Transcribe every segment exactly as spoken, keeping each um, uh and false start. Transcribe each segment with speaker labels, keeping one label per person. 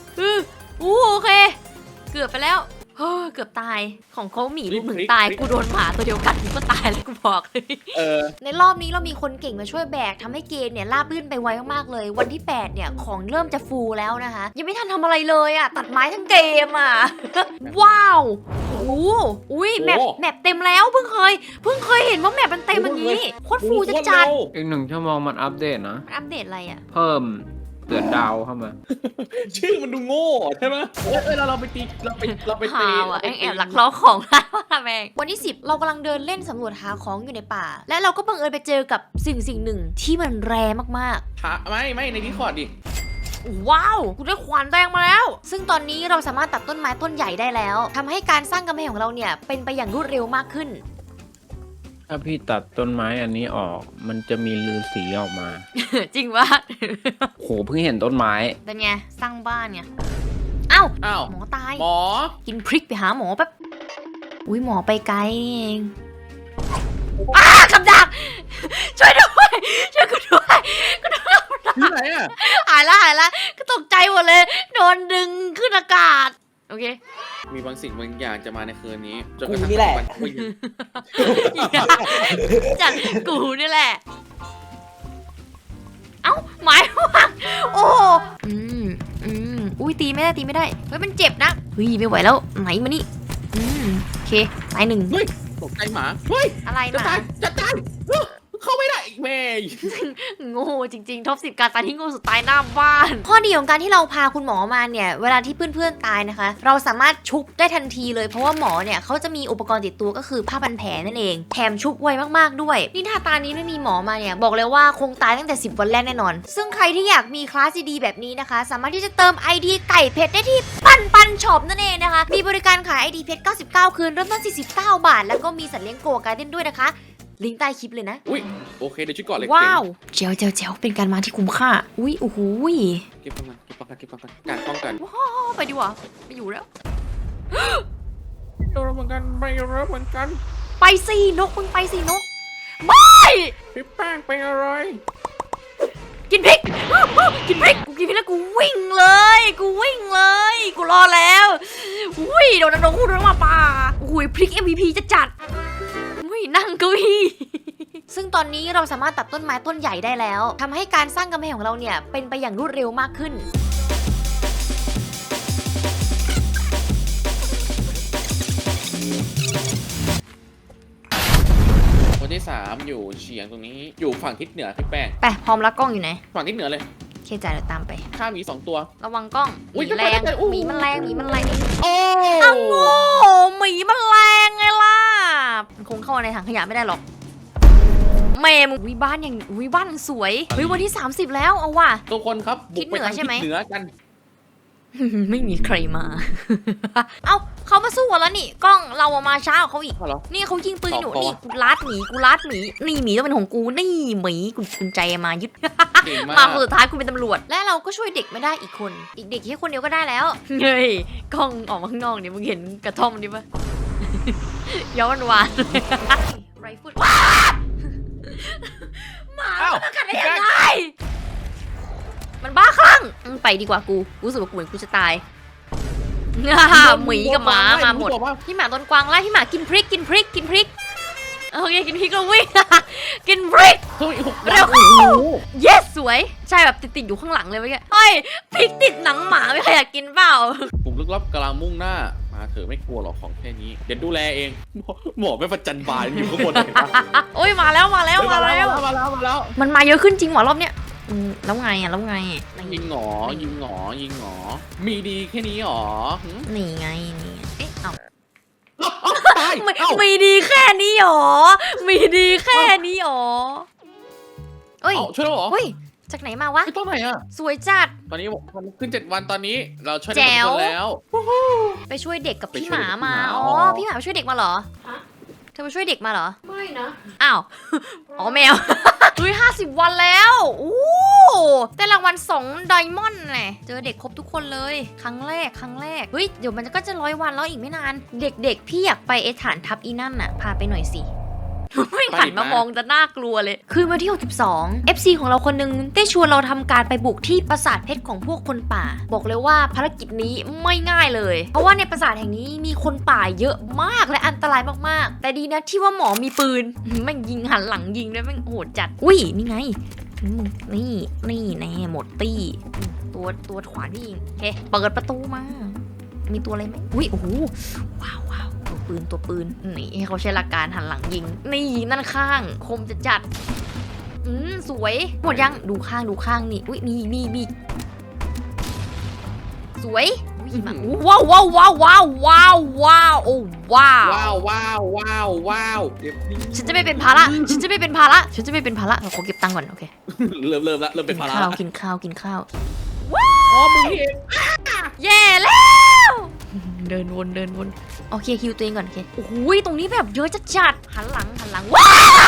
Speaker 1: อืออู้โอเค เกือบไปแล้วเฮ้อเกือบตายของเขาหมีลูกหนึ่งตายกูโดนหมาตัวเดียวกัดกูก็ตายแล้วกูบอกเลย
Speaker 2: เออ
Speaker 1: ในรอบนี้เรามีคนเก่งมาช่วยแบกทำให้เกมเนี่ยราบรื่นไปไวมากๆเลย วันที่แปดเนี่ยของเริ่มจะฟูแล้วนะคะ ยังไม่ทันทำอะไรเลยอ่ะตัดไม้ทั้งเกมอ่ะ ว้าวโอ้โหอุ้ยแมป
Speaker 2: โอ้
Speaker 1: แมปเต็มแล้วเพิ่งเคยเพิ่งเคยเห็นว่าแมปมันเต็มอย่างนี้โคตรฟูจะจัด
Speaker 3: อีกหนึ่งชั่วโมงมันอัปเดตนะ
Speaker 1: อัปเดตอะไรอ่ะ
Speaker 3: เพิ่มเตือนดาวเข้ามา
Speaker 2: ชื่อมันดูโง่ใช่ไหมเอ้ยเอ้ยเราเราไปตีเราไปเราไปตี
Speaker 1: หาวอ่ะ
Speaker 2: เรา
Speaker 1: แอ
Speaker 2: ไป
Speaker 1: ง
Speaker 2: ตี
Speaker 1: แอบหลักล้อของร้านว่าแมงวันที่สิบเรากำลังเดินเล่นสำรวจหาของอยู่ในป่า และเราก็บังเอิญไปเจอกับสิ่งสิ่งหนึ่งที่มันแรงมากๆ
Speaker 2: หาไม่ไม่ในดิสคอร์ดดิ
Speaker 1: ว้าวคุณได้ขวานแดงมาแล้ว ซึ่งตอนนี้เราสามารถตัดต้นไม้ต้นใหญ่ได้แล้วทำให้การสร้างกำแพงของเราเนี่ยเป็นไปอย่างรวดเร็วมากขึ้น
Speaker 3: ถ้าพี่ตัดต้นไม้อันนี้ออก มันจะมีลือสีออกมา
Speaker 1: จริงวะ
Speaker 3: โหเพิ่งเห็นต้นไม้
Speaker 1: เป็นไงสร้างบ้านไงเอ้า
Speaker 2: อ้าว
Speaker 1: หมอตาย
Speaker 2: หมอ
Speaker 1: กินพริกไปหาหมอแป๊บอุ้ยหมอไปไกลนี่เองอ้ากับดัก ช่วยด้วยช่วยกูด้วยกูโดน
Speaker 2: ที่ไหนอ่ะ
Speaker 1: หายละหายละก็ตกใจหมดเลยโดนดึงขึ้นอากาศโอเค
Speaker 2: มีบางสิ่งบางอย่างจะมาในคืนนี้จน
Speaker 4: กู
Speaker 2: กระทั่ง
Speaker 4: นี่แหละ
Speaker 2: วันคุย
Speaker 1: จัดกูนี่แหละ เอ้าหมายว่าโอ้อืมอืมอุ้ยตีไม่ได้ตีไม่ได้เฮ้ยมันเจ็บนะเฮ้ยไม่ไหวแล้วไหนมานี่อืมโอเคตายหนึ่ง
Speaker 2: เฮ้ยตกใจหมาเฮ้ย
Speaker 1: อะไร
Speaker 2: จะ
Speaker 1: มา
Speaker 2: ตายจะตายเอ้อเข้าไม่ได้อีกแม่
Speaker 1: โง่จริงๆท็อปสิบการตายที่โง่สุดตายหน้าบ้าน ข้อดีของการที่เราพาคุณหมอมาเนี่ยเวลาที่เพื่อนๆตายนะคะ เราสามารถชุบได้ทันทีเลยเพราะว่าหมอเนี่ยเขาจะมีอุปกรณ์ติดตัวก็คือผ้าพันแผลนั่นเองแถมชุบไวมากๆด้วยนี่ถ้าตานี้ไม่มีหมอมาเนี่ยบอกเลยว่าคงตายตั้งแต่สิบวันแรกแน่นอน ซึ่งใครที่อยากมีคลาสดีๆแบบนี้นะคะ สามารถที่จะเติม ไอ ดี ไก่เพชรได้ที่ปันปันช็อปนั่นเองนะคะมีบริการขาย ไอ ดี เพชรเก้าสิบเก้าคืนเริ่มต้นสี่สิบเก้าบาทแล้วก็มีสัตว์เลี้ยงโกะการ์เด้นด้วยนะคะลิงก์ใต้คลิปเลยนะ
Speaker 2: อุ้ยโอเคเดี๋ยวช่วยก่อนเลย
Speaker 1: ว้าวเจ๋วเจ๋วเจ๋วเป็นการมาที่คุ้มค่า อุ้ยโอ้โหย
Speaker 2: เก็บป้องกันเก็บป้องกันเก็บป้องกันการป้องกัน
Speaker 1: ว้าวไปดีกว่าไม่อยู่แล้ว
Speaker 2: โดนเหมือนกันไม่รับเหมือนกัน
Speaker 1: ไปสินกมึงไปสินกไม่
Speaker 2: พี่แป้งเป็นอะไร
Speaker 1: กินพริก กินพริกกูกินพริกแล้วกูวิ่งเลย กูวิ่งเลย กูรอแล้วอุ้ยโดนน้องคู่โดนมาป่าอุ้ยพริก เอ็ม วี พี จะจัดอุ้ยนั่งเก้าอี้ซึ่งตอนนี้เราสามารถตัดต้นไม้ต้นใหญ่ได้แล้วทำให้การสร้างกำแพงของเราเนี่ยเป็นไปอย่างรวดเร็วมากขึ้น
Speaker 2: คนที่สามอยู่เฉียงตรงนี้อยู่ฝั่งทิศเหนือพี่แป้ง
Speaker 1: ไปพร้อมแล้วกล้องอยู่ไหน
Speaker 2: ฝั่งทิศเหนือเลย
Speaker 1: เคจ่ายเดี๋ยวตามไป
Speaker 2: ข้ามีสองตัว
Speaker 1: ระวังกล้องห
Speaker 2: อุ๊ย
Speaker 1: มีแรง
Speaker 2: จะไปได้ไงอู้
Speaker 1: หมีมันแรงหมีมันแรง
Speaker 2: โอ้
Speaker 1: อ้าวโง่หมีมันแรงไงล่ะมันคงเข้ามาในถังขยะไม่ได้หรอกแม่มึงวิบ้านอย่างวิบ้านสวยเฮ้ยวันที่สามสิบแล้วเอาว่ะ
Speaker 2: ทุกคนครับบุกไปทาง
Speaker 1: ทิศเหนือใช่
Speaker 2: ทิศ
Speaker 1: ไหม
Speaker 2: เหนือกัน
Speaker 1: ไม่มีใครมา เอ้าเขามาสู้กันแล้วนี่กล้องเราอะมาช้ากว่าเขาอีก
Speaker 2: เอาเหรอ
Speaker 1: นี่เขายิงปืนหนู
Speaker 2: ต่อ
Speaker 1: นี่กูลัดหมีกูลัดหมีนี่หมีต้องเป็นของกูนี่หมีกูกุญใจมายึด
Speaker 2: เก่ง
Speaker 1: มา
Speaker 2: มาก
Speaker 1: คนสุดท้ายคุณเป็นตำรวจ และเราก็ช่วยเด็กไม่ได้อีกคน อีกเด็กแค่คนเดียวก็ได้แล้ว เฮ้ยกล้องออกมาข้างนอกเนี่ยมึงเห็นกระท่อมนี่ปะ ย้อนวานไรฟุตว้าหมามันกัดได้ยังไงมันบ้าคลั่งอืมไปดีกว่ากูกูรู้สึกว่ากูเหมือนกูจะตาย หมีกับหมามาหมดพี่หมาต้นกวางไล่พี่หมากินพริกกินพริกกินพริกโอเคกินพริกแล้ววิ่ง กินพริก
Speaker 2: เฮ้ย
Speaker 1: เร็ว
Speaker 2: โอ้โห
Speaker 1: yes สวยใช่แบบติดติดๆอยู่ข้างหลังเลยเมื่อกี้เฮ้ยพริกติดหนังหมาไม่ใครอยากกินเปล่า
Speaker 2: กลุ่มลึกลับกำลังมุ่งหน้ามาเถอะไม่กลัวหรอกของแค่นี้เดี๋ยวดูแลเองหมอหมอไม่ประจันบานอยู่ข้างบนเลยนะ
Speaker 1: โอ้ยมาแล้วมาแล้วมาแล้ว
Speaker 2: มาแล้วมาแล้ว
Speaker 1: มันมาเยอะขึ้นจริงหรอรอบเนี้ยอืมแล้วไงอ่ะแล้วไง
Speaker 2: ยิงหงอยิงหงอยิงหงอมีดีแค่นี้หรอหึ
Speaker 1: นี่ไงนี่ไงเอ๊ะเอ้า
Speaker 2: เอ้าเอ้าตาย
Speaker 1: ไม่
Speaker 2: เอ้า
Speaker 1: มีดีแค่นี้หรอมีดีแค่นี้หรอเอ้ย
Speaker 2: เอ้าช่วยแล้วเหรอ
Speaker 1: เฮ้ยจากไหนมาวะ
Speaker 2: ไม่ต้องไหนอ่ะ
Speaker 1: สวยจัด
Speaker 2: ตอนนี้มันขึ้นเจ็ดวันตอนนี้เราช่วย
Speaker 1: แจ๋
Speaker 2: ได้หมด
Speaker 1: ว
Speaker 2: คนแล้ว
Speaker 1: ไปช่วยเด็กกับ
Speaker 2: ไป
Speaker 1: พี่
Speaker 2: ช่
Speaker 1: ห
Speaker 2: วย
Speaker 1: มา
Speaker 2: เด็กกับพี่หมา
Speaker 1: มาอ๋อ
Speaker 2: อ๋อ
Speaker 1: พี่หมาไปช่วยเด็กมาเหรอ
Speaker 5: ฮะ
Speaker 1: เธอไปช่วยเด็กมาเหรอ
Speaker 5: ไม่นะ
Speaker 1: อ้าว อ๋อแมว เฮ้ยห้าสิบวันแล้วอู้ได้รางวัลสองไดมอนด์แหละเจอเด็กครบทุกคนเลย ครั้งแรก ครั้งแรก เฮ้ย เดี๋ยวมันก็จะร้อยวันแล้วอีกไม่นาน เด็กๆ พี่อยากไปไอฐานทัพอีนั่นน่ะ พาไปหน่อยสิ ไม่หันมามองจะน่ากลัวเลย คืนวันที่หกสิบสอง เอฟ ซี ของเราคนนึงได้ชวนเราทำการไปบุกที่ปราสาทเพชรของพวกคนป่า บอกเลยว่าภารกิจนี้ไม่ง่ายเลย เพราะว่าในปราสาทแห่งนี้มีคนป่าเยอะมากและอันตรายมากๆ แต่ดีนะที่ว่าหมอมีปืน แม่งยิงหันหลังยิงด้วยแม่งโหดจัด อุ้ยนี่ไงอืมนี่นี่แน่หมดตี้อืมตัวตัวขวานนี่โอเคเปิดประตูมา มีตัวอะไรไหมอุ้ยโอ้โหว้าวว้าวตัวปืนตัวปืนนี่ให้เขาใช้หลักการหันหลังยิงนี่นั่นข้างคมจะจัดอืมสวยหมดยังดูข้างดูข้างนี่อุ้ยมีมีมีสวยอุ้ยมาว้าวว้าวว้าวว้าวว้าวว้าวโอ้ว้าว
Speaker 2: ว้าวว้าวว้าวว้าวเดี๋ยวนี้
Speaker 1: ฉันจะไม่เป็นภาระฉันจะไม่เป็นภาระฉันจะไม่เป็นภาระเราขอเก็บตังค์ก่อนโอเค
Speaker 2: เริ่มเริ่มละเริ่มเป็นภาระ
Speaker 1: ข้าวกินข้าวกินข้าว
Speaker 2: อ๋อมึงเอง
Speaker 1: แย่แล้วเดินวนเดินวนโอเคคิวตัวเองก่อนโอเคโอ้โหตรงนี้แบบเยอะจัดจัดหันหลังหันหลังว้า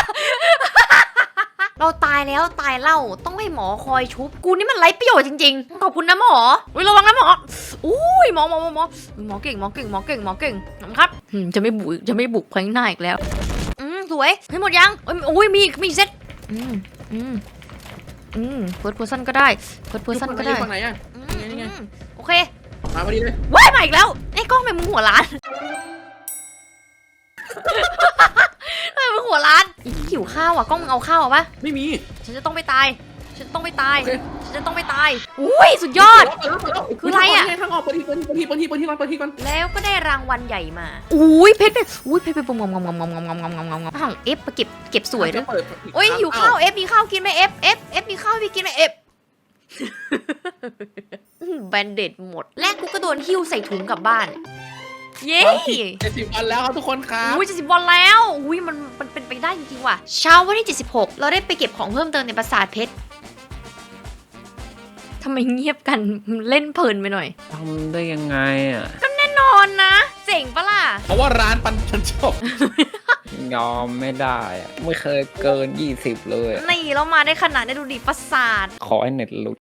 Speaker 1: เราตายแล้วตายเล่าต้องให้หมอคอยชุบกูนี่มันไร้ประโยชน์จริงๆขอบคุณนะหมออุ้ยระวังนะหมออุ้ยหมอหมอหมอหมอหมอเก่งหมอเก่งหมอเก่งหมอเก่งครับอืมจะไม่บุกจะไม่บุกครั้งหน้าอีกแล้วอืมสวยให้หมดยังเอ้ยโอ้ยมีอีกมีอีกเซตอืมอืมอืมเฟิร์สเพอร์ซันก็ได้เฟิร์สเพอร์ซันก็ได้
Speaker 2: ฝั่งไหนอ่ะ
Speaker 1: อืม
Speaker 2: นี่ไง
Speaker 1: อืมโอเค
Speaker 2: มาพอดีเลย
Speaker 1: ว้ายมาอีกแล้วไอ้กล้องทำไมมึงหัวล้าน ทำไมมึงหัวล้านอีหิวข้าวอ่ะกล้องมึงเอาข้าวอ่ะปะ
Speaker 2: ไม่มี
Speaker 1: ฉันจะต้องไปตายฉันต้องไปตาย
Speaker 2: โอเค
Speaker 1: ฉันจะต้องไปตายอุ้ยสุดยอด คืออะไรอะ
Speaker 2: ทางออกเปิดทีเปิดทีเปิดทีเปิดทีเปิดทีก่อนเปิดทีก่อน
Speaker 1: แล้วก็ได้รางวัลใหญ่มาอุ้ยเพชรเพชรอุ้ยเพชรเพชรงงงงงงงงงงงงงงห่างเอฟมาเก็บเก็บสวยด้วย
Speaker 2: เปิด
Speaker 1: โอ้ยหิวข้าวเอฟมีข้าวกินไหมเอฟเอฟเอฟมีข้าวพี่กินไหมเอฟแบนเด็ดหมดแรกกูก็โดนหิ้วใส่ถุงกลับบ้านเย้
Speaker 2: เจ็ดสิบวันแล้วครับทุกคนครับ
Speaker 1: อุ้ยเจ็ดสิบวันแล้วอุ้ยมันมันเป็นไปได้จริงๆว่ะเช้าวันที่เจ็ดสิบหกเราได้ไปเก็บของเพิ่มเติมในปราสาทเพชรทำไมเงียบกันเล่นเพลินไปหน่อย
Speaker 3: ทำได้ยังไงอ่ะ
Speaker 1: นอนนะเจ๋งปะล่ะ
Speaker 2: เพราะว่าร้านปันฉันชอบ
Speaker 3: ยอมไม่ได้อะไม่เคยเกินยี่สิบเลยอะ
Speaker 1: นี่เรามาได้ขนาดได้ดูดิประสาท
Speaker 3: ขอให้เน็ตหลุด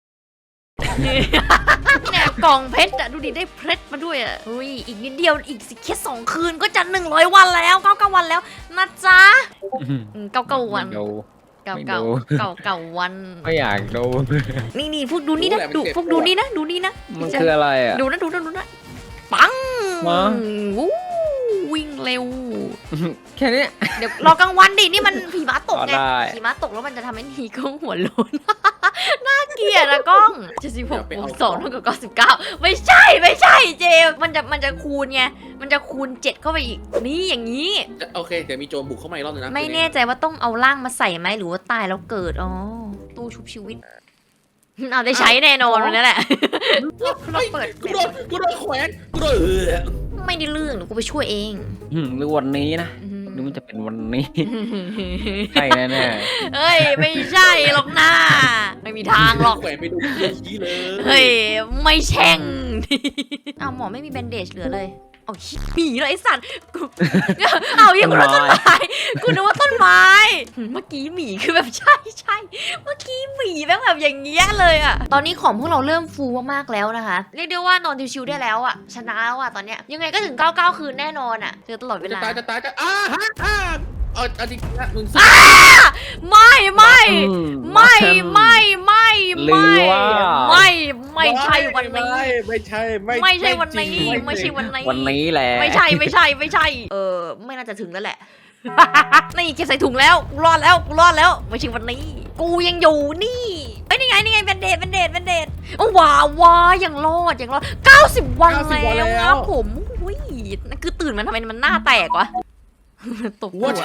Speaker 1: เนี่ยกล่องเพชรอะดูดิได้เพชรมาด้วยอะอุ้ยอีกนิดเดียวอีกสิแค่สองคืนก็จะหนึ่งร้อยวันแล้วเก้าเก้าวันแล้วนะจ๊ะอืมเก้าเก้าวัน
Speaker 3: ไม่ดู
Speaker 1: เก้า
Speaker 3: ไม่
Speaker 1: เก้า
Speaker 3: ดู
Speaker 1: เก้าเก้าวัน
Speaker 3: ไม่อยากดู
Speaker 1: นี่นี่พวกดูนี่นะดูพวกดูนี่นะดูนี่นะ
Speaker 3: มันคืออะไรอ่ะ
Speaker 1: ดูนะดูนะดูนะปัง
Speaker 3: มา
Speaker 1: วู้วิ่งเร็ว
Speaker 3: แค่นี้
Speaker 1: เดี๋ยวรอกลางวันดินี่มันผีม้าตกไง
Speaker 3: อ๋อได้
Speaker 1: ผีม้าตกแล้วมันจะทำให้นีกล้องหัวโลน น่าเกลียดอะกล้องเจ็ดสิบหกบวกสองเท่ากับเก้าสิบเก้าไม่ใช่ไม่ใช่เจมส์มันจะมันจะคูณไงมันจะคูณเจ็ดเข้าไปอีกนี่อย่างนี้
Speaker 2: โอเคเดี๋ยวมีโจรบุกเข้ามาอีกรอบนึงนะ
Speaker 1: ไม่แน่ใจว่าต้องเอาร่างมาใส่ไหมหรือว่าตายแล้วเกิดอ๋อตู้ชุบชีวิต เอาได้ใช้แน่นอนวันนั้นแหละ เราเปิด
Speaker 2: กูโดนกูโดนแขวนกูโดนเออ
Speaker 1: ไม่ได้เรื่องเดี๋ยวกูไปช่วยเอง
Speaker 3: อืมหรือวันนี้นะหรือมันจะเป็นวันนี้ ใช่แน่
Speaker 1: เฮ้ยไม่ใช่หรอกนะไม่มีทางหรอก
Speaker 2: แขวนไปดูชี้เลย
Speaker 1: เฮ้ยไม่แช่ง เอาหมอไม่มีแบนเดจเหลือเลยเอาหนีเลยไอสัตว์กูเอาอย่างกูนึกว่าต้นไม้กูนึกว่าต้นไม้เมื่อกี้หมีคือแบบใช่ใช่เมื่อกี้หมีแม่งแบบอย่างเงี้ยเลยอะตอนนี้ของพวกเราเริ่มฟูมากๆแล้วนะคะเรียกได้ว่านอนชิวๆได้แล้วอะชนะแล้วอะตอนเนี้ยยังไงก็ถึงเก้าเก้าคืนแน่นอนอะเจอตลอดเว
Speaker 2: จะ
Speaker 1: ลา
Speaker 2: ตายจะตายจะอ้าฮะอ้าเอาเอาจริงๆนะมึง
Speaker 1: อ้าไม่ไม่
Speaker 3: ๆอื
Speaker 1: ไม่ไม่ไม่
Speaker 3: หรือ
Speaker 1: ไม่
Speaker 3: ว่า
Speaker 1: ไม่ไม่ใช่วันนี้
Speaker 2: ไม่ใช่ไม่
Speaker 1: ไม่ใช่วันนี้
Speaker 2: จริง
Speaker 1: ไม่ใช่วันนี้
Speaker 3: วันนี้แหละ
Speaker 1: ไม่ใช่ไม่ใช่ไม่ใช่ เออไม่น่าจะถึงแล้วแหละ นี่เก็บใส่ถุงแล้วกูรอดแล้วกูรอดแล้วไม่ใช่วันนี้ กูยังอยู่นี่เอ้ยนี่ไงนี่ไงแบนเดดแบนเดดแบนเดดโอ้ว้าวว้ายังรอดยังรอดเก้าสิบวันแล้วครับผมอุ้ยนั่นคือตื่นมาทำไมมันหน้าแตกวะตบหั
Speaker 2: ว่าใช่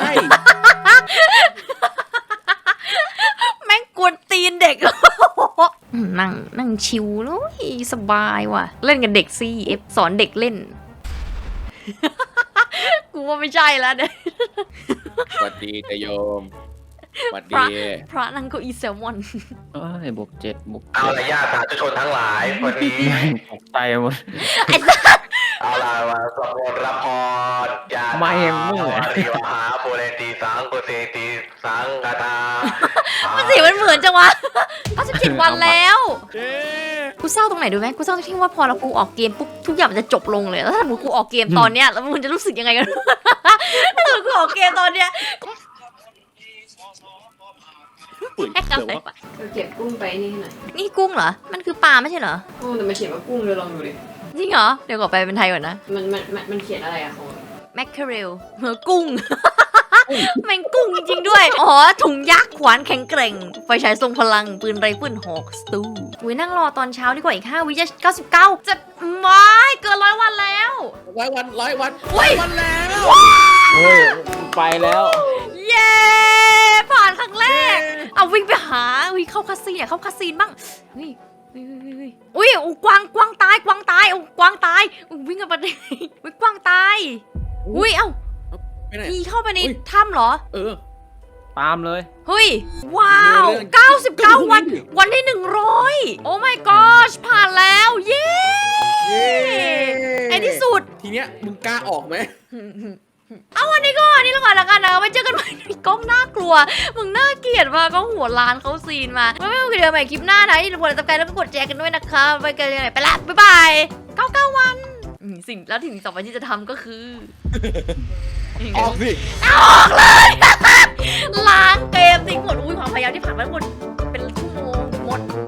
Speaker 1: แม่งกวนตีนเด็ก นั่งนั่งชิวเลยสบายว่ะ เล่นกับเด็กซีเอฟสอนเด็กเล่น กูว่าไม่ใช่แล้วเนี่ย
Speaker 2: สวัสดีเตยโยมสวัส
Speaker 1: พระ
Speaker 2: ดี
Speaker 1: พระนั่งเก็อีแซลมอน
Speaker 3: เอ้ยบวกเจ็ดบวก
Speaker 4: เอา
Speaker 3: เจ็ด
Speaker 4: ละญาติสาธุชนทั้งหลายวันนี้
Speaker 3: ตกใจหมด
Speaker 1: ไอ้สัส
Speaker 4: เอาละมาสวดมนต์รับพรญาติ
Speaker 3: ไม่มึงเหรอ
Speaker 4: ริวหาปุเรตีสังกุเตตีสังกตา
Speaker 1: มันสีมันเหมือนจังวะเขาสิบเจ็ดวันแล้ว
Speaker 2: เอ๊ะ
Speaker 1: กูเศร้าตรงไหนดูไหมกูเศร้าตรงที่ว่าพอเรากูออกเกมปุ๊บทุกอย่างมันจะจบลงเลยแล้วถ้าสมมติกูออกเกมตอนเนี้ยแล้วมึงจะรู้สึกยังไงกัน ถ้าสมมติกูออกเกมตอนเนี้ย
Speaker 2: ปุ๋ย
Speaker 1: แค่
Speaker 2: เดี๋ยว
Speaker 1: อะไร
Speaker 2: ว่า
Speaker 1: วะ
Speaker 5: เออเก็บกุ้งไปนี่หน่อย
Speaker 1: นี่กุ้งเหรอ มันคือปลาไม่ใช่เหรอ
Speaker 5: กุ้งแต่มันเขียนว่ากุ้งเลยลองดูดิ
Speaker 1: จริงเหรอ เดี๋ยวก่อนไปเป็นไทยก่อนนะ
Speaker 5: มันมันมันมันเขียนอะไรอะของ
Speaker 1: แมคเคเรลเฮ้อกุ้ง แมงกุ้งจริงๆด้วย อ๋อ ถุงยักษ์ขวานแข็งแกร่ง ไฟฉายทรงพลัง ปืนไรเฟิลหอกสตูอุ้ยนั่งรอตอนเช้าดีกว่าอีกห้าวิจะเก้าสิบเก้าจะไม่เกินร้อยวันแล้ว
Speaker 2: ร้อยวันร้อยวัน
Speaker 1: เฮ้
Speaker 2: ร้อย
Speaker 1: ย
Speaker 2: วันแล้ว
Speaker 3: เฮ้ยไปแล้ว
Speaker 1: เย้ ผ่านครั้งแรก เอาวิ่งไปหาอุ้ยเข้าคาซีนอะเข้าคาซีนบ้างเฮ้ยเฮ้ยเฮ้ยเฮ้ยอุ้ยอุ้ยกวางกวางตายกวางตายอุ้ยกวางตายอุ้ยวิ่งกันไปเลยอุ้ยกวางตายอุ้ยเอ้า
Speaker 2: ไปไหน
Speaker 1: พี่เข้าไปใน
Speaker 2: อุ๊ย
Speaker 1: ถ้ำเหรอ
Speaker 2: เออ
Speaker 3: ตามเลย
Speaker 1: เฮ้ย ว้าว
Speaker 2: เรื่อง
Speaker 1: เก้าสิบเก้า วัน
Speaker 2: เรื่อง
Speaker 1: วันที่หนึ่งร้อยโอ้ my gosh ผ่านแล้ว เย้
Speaker 2: เย้
Speaker 1: ในที่สุด
Speaker 2: ทีเนี้ยมึงกล้าออกไหม
Speaker 1: เอาวันนี้ก็วันนี้แล้วก่อนละกันนะไว้เจอกันใหม่ในกล้องน่ากลัว มึงน่าเกลียดมากก็หัวล้านเขาซีนมาไม่ไม่ไม่เดี๋ยวใหม่คลิปหน้านะอย่าลืมกดติดตามแล้วก็กดแชร์กันด้วยนะคะไปกันเลยไปละบ๊ายบายเก้าเก้าวันอืมสิ่งแล้วสิ่งต่อไปที่จะทำก็คือ
Speaker 2: ออกสิ
Speaker 1: ออกเลย ล้างเกมทิ้งหมดอุ้ยความพยายามที่ผ่านมาทั้งหมดเป็นชั่วโมงหมด